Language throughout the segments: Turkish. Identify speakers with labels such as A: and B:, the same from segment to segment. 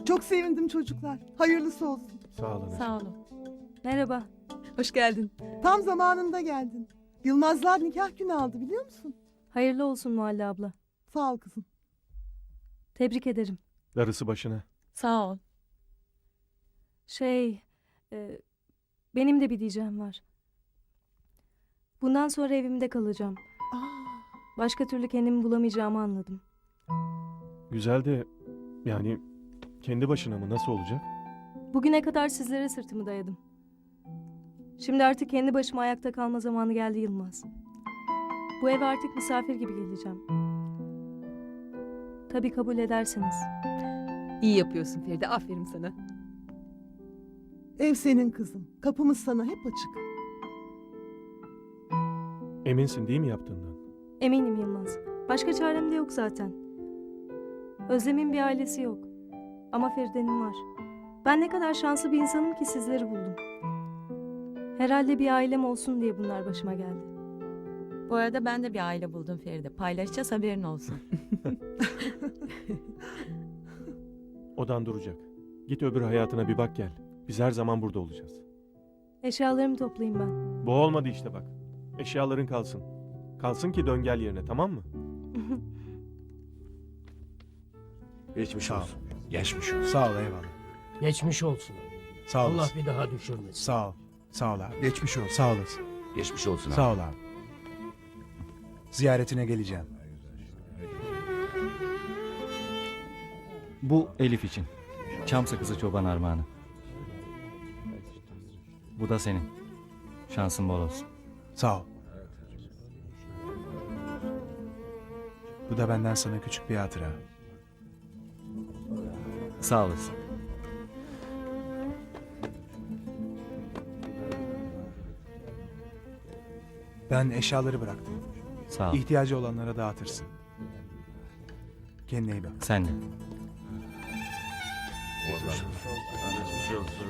A: Çok sevindim çocuklar. Hayırlısı olsun.
B: Sağ olun.
C: Sağ olun.
D: Merhaba.
C: Hoş geldin.
A: Tam zamanında geldin. Yılmazlar nikah günü aldı biliyor musun?
D: Hayırlı olsun Muhalle abla.
A: Sağ ol kızım.
D: Tebrik ederim.
B: Darısı başına.
C: Sağ ol.
D: Benim de bir diyeceğim var. Bundan sonra evimde kalacağım.
A: Aa,
D: Başka türlü kendimi bulamayacağımı anladım.
B: Güzel de yani kendi başına mı, nasıl olacak?
D: Bugüne kadar sizlere sırtımı dayadım. Şimdi artık kendi başıma ayakta kalma zamanı geldi Yılmaz. Bu eve artık misafir gibi geleceğim. Tabii kabul ederseniz.
C: İyi yapıyorsun Feride. Aferin sana.
A: ev senin kızım. Kapımız sana hep açık.
B: Eminsin değil mi yaptığından?
D: Eminim Yılmaz. Başka çarem de yok zaten. Özlem'in bir ailesi yok. Ama Feride'nin var. Ben ne kadar şanslı bir insanım ki sizleri buldum. Herhalde bir ailem olsun diye bunlar başıma geldi.
E: Bu arada ben de bir aile buldum Feride. Paylaşacağız, haberin olsun.
B: Odan duracak. Git öbür hayatına bir bak gel. Biz her zaman burada olacağız.
D: Eşyalarımı toplayayım ben.
B: Bu olmadı işte bak. Eşyaların kalsın. Kalsın ki dön gel yerine, tamam mı?
F: Geçmiş olsun.
G: Geçmiş olsun.
F: Sağ ol, eyvallah.
G: Geçmiş olsun.
F: Sağ
G: Allah
F: olasın.
G: bir daha düşürmesin.
F: Sağ ol. Sağ ol abi. Geçmiş olsun. Sağ olasın.
H: Geçmiş olsun abi.
F: Sağ ol abi. Ziyaretine geleceğim.
I: Bu Elif için. Çam sakızı çoban armağanı. Bu da senin. Şansın bol olsun.
F: Sağ ol. Bu da benden sana küçük bir hatıra.
I: Sağ olasın.
F: Ben eşyaları bıraktım.
I: Sağ ol.
F: İhtiyacı olanlara dağıtırsın. Kendine iyi bak.
I: Sen de.
H: Geçmiş olsun.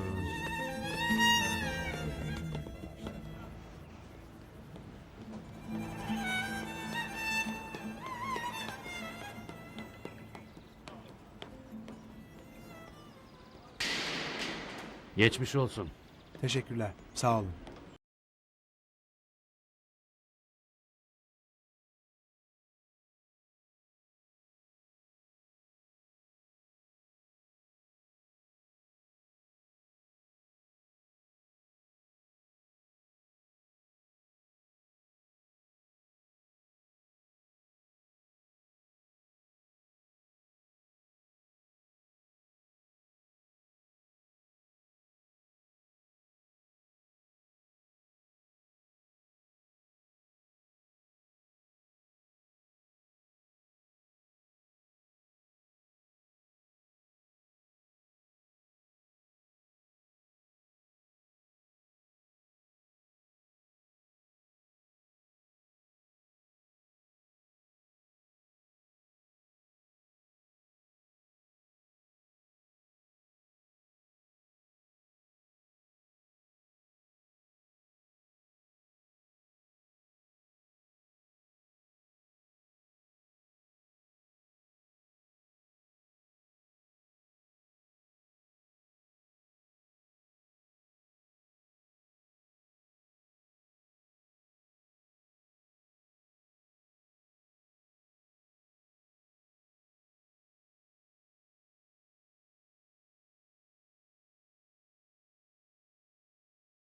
H: Geçmiş olsun.
F: Teşekkürler. Sağ olun.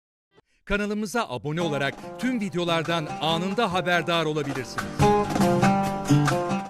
J: Kanalımıza abone olarak tüm videolardan anında haberdar olabilirsiniz.